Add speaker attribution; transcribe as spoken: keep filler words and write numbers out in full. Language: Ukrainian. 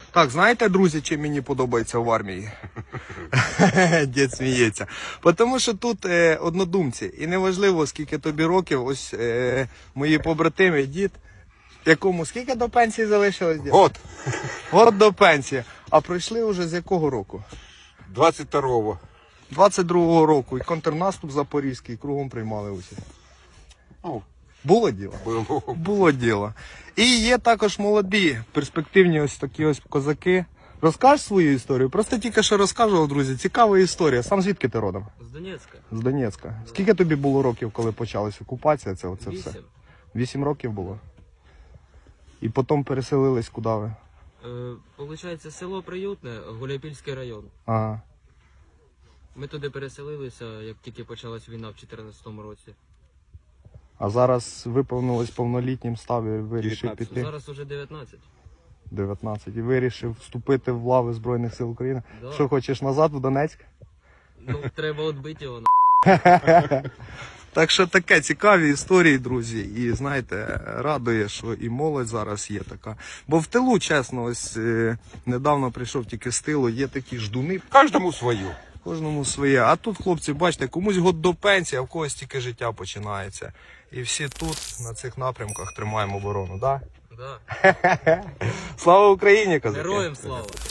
Speaker 1: Так, знаєте, друзі, чим мені подобається в армії? Дід сміється. Тому що тут е, однодумці. І неважливо, скільки тобі років, ось е, мої побратими, дід, якому скільки до пенсії залишилось, дід?
Speaker 2: Год.
Speaker 1: Год до пенсії. А пройшли вже з якого року?
Speaker 2: двадцять второго.
Speaker 1: двадцять другого року. І контрнаступ запорізький, кругом приймали участь.
Speaker 2: Ну,
Speaker 1: Було діло?
Speaker 2: було.
Speaker 1: Було діло. І є також молоді, перспективні ось такі ось козаки. Розкажеш свою історію? Просто тільки що розказував, друзі. Цікава історія. Сам звідки ти родом?
Speaker 3: З Донецька.
Speaker 1: З Донецька. Скільки тобі було років, коли почалась окупація? Це оце все?
Speaker 3: Вісім.
Speaker 1: Вісім років було. І потім переселились куди ви?
Speaker 3: Е, Получається, село Приютне, Гуляйпільський район.
Speaker 1: Ага.
Speaker 3: Ми туди переселилися, як тільки почалась війна в чотирнадцятому році.
Speaker 1: А зараз виповнилось повнолітнім, став і вирішив
Speaker 2: дев'ятнадцять.
Speaker 1: піти.
Speaker 3: Зараз уже дев'ятнадцять.
Speaker 1: дев'ятнадцять. І вирішив вступити в лави Збройних сил України.
Speaker 3: Да.
Speaker 1: Що, хочеш назад в Донецьк?
Speaker 3: Ну, треба відбити його.
Speaker 1: Так що таке цікаві історії, друзі. І знаєте, радує, що і молодь зараз є така. Бо в тилу, чесно, ось е, недавно прийшов тільки з тилу, є такі ждуни.
Speaker 2: Кожному свою.
Speaker 1: Кожному своє. А тут, хлопці, бачите, комусь год до пенсії, а в когось тільки життя починається. І всі тут, на цих напрямках, тримаємо оборону, так?
Speaker 3: Да.
Speaker 1: Да? Слава Україні, козаки!
Speaker 3: Героям слава!